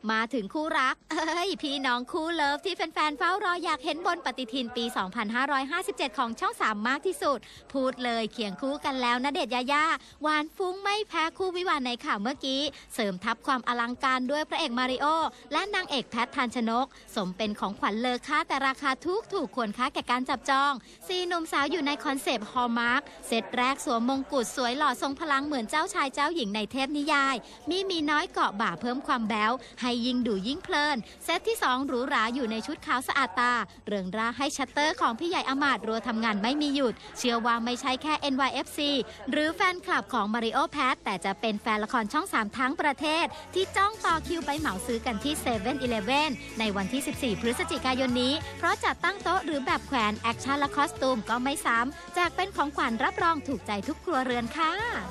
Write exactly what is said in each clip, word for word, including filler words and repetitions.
มาถึงคู่รักเอ้ยพี่น้องคู่เลิฟที่แฟนๆเฝ้ารออยากเห็นบนปฏิทินปี สองพันห้าร้อยห้าสิบเจ็ด ของช่องสามมากที่สุดพูดเลยเคียงคู่กันแล้วณเดชน์ยายาหวานฟุ้งไม่แพ้คู่วิวาห์ในข่าวเมื่อกี้เสริมทับความอลังการด้วยพระเอกมาริโอและนางเอกแพททันชนกสมเป็นของขวัญเลอค่าแต่ราคาทุกถูกควรค่าแก่การจับจองสี่หนุ่มสาวอยู่ในคอนเซปต์ฮอลมาร์คเซตแรกสวมมงกุฎสวยหล่อทรงพลังเหมือนเจ้าชายเจ้าหญิงในเทพนิยายมีมีน้อยเกาะบ่าเพิ่มความแบ๊วให้ยิ่งดูยิ่งเพลินเซตที่สองหรูหราอยู่ในชุดขาวสะอาดตาเริงร่าให้ชัตเตอร์ของพี่ใหญ่อมาตย์รัวทำงานไม่มีหยุดเชื่อว่าไม่ใช่แค่ เอ็น วาย เอฟ ซี หรือแฟนคลับของมาริโอแพทแต่จะเป็นแฟนละครช่องสามทั้งประเทศที่จ้องต่อคิวไปเหมาซื้อกันที่ เซเว่น อีเลฟเว่น ในวันที่ สิบสี่ พฤศจิกายนนี้เพราะจัดตั้งโต๊ะหรือแบบแขวนแอคชั่นและคอสตูมก็ไม่ซ้ำแจกเป็นของขวัญรับรองถูกใจทุกครัวเรือนค่ะ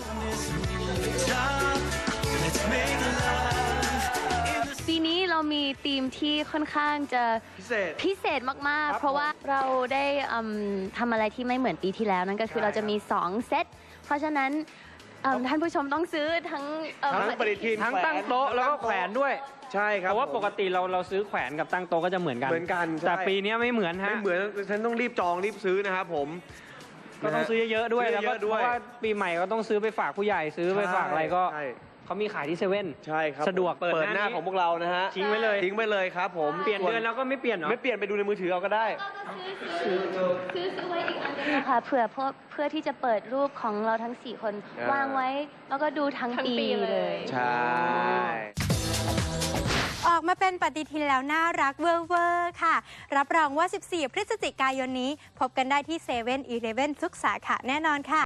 ปีนี้เรามีธีมที่ค่อนข้างจะพิเศษพิเศษมากๆเพราะว่าเราได้ทำอะไรที่ไม่เหมือนปีที่แล้วนั่นก็คือเราจะมีสองเซตเพราะฉะนั้นท่านผู้ชมต้องซื้อทั้งทั้งปฏิทินทั้งตั้งโต๊ะแล้วก็แขวนด้วยใช่ครับเพราะว่าปกติเราเราซื้อแขวนกับตั้งโต๊ะก็จะเหมือนกันเหมือนกันแต่ปีนี้ไม่เหมือนฮะไม่เหมือนฉันต้องรีบจองรีบซื้อนะครับผมก็ต้องซื้อเยอะๆด้วยแล้วก็เพราะว่าปีใหม่ก็ต้องซื้อไปฝากผู้ใหญ่ซื้อไปฝากอะไรก็เขามีขายที่เซเว่นใช่ครับสะดวกเปิดหน้าของพวกเรานะฮะทิ้งไว้เลยทิ้งไว้เลยครับผมเปลี่ยนเดือนแล้วก็ไม่เปลี่ยนหรอไม่เปลี่ยนไปดูในมือถือเอาก็ได้ซื้อซื้อไว้อีกอันนึงค่ะเผื่อเพื่อเพื่อที่จะเปิดรูปของเราทั้งสี่คนวางไว้แล้วก็ดูทั้งปีเลยใช่ออกมาเป็นปฏิทินแล้วน่ารักเวอร์เวอร์ค่ะรับรองว่าสิบสี่พฤศจิกายนนี้พบกันได้ที่ เซเว่น อีเลฟเว่น ทุกสาขาแน่นอนค่ะ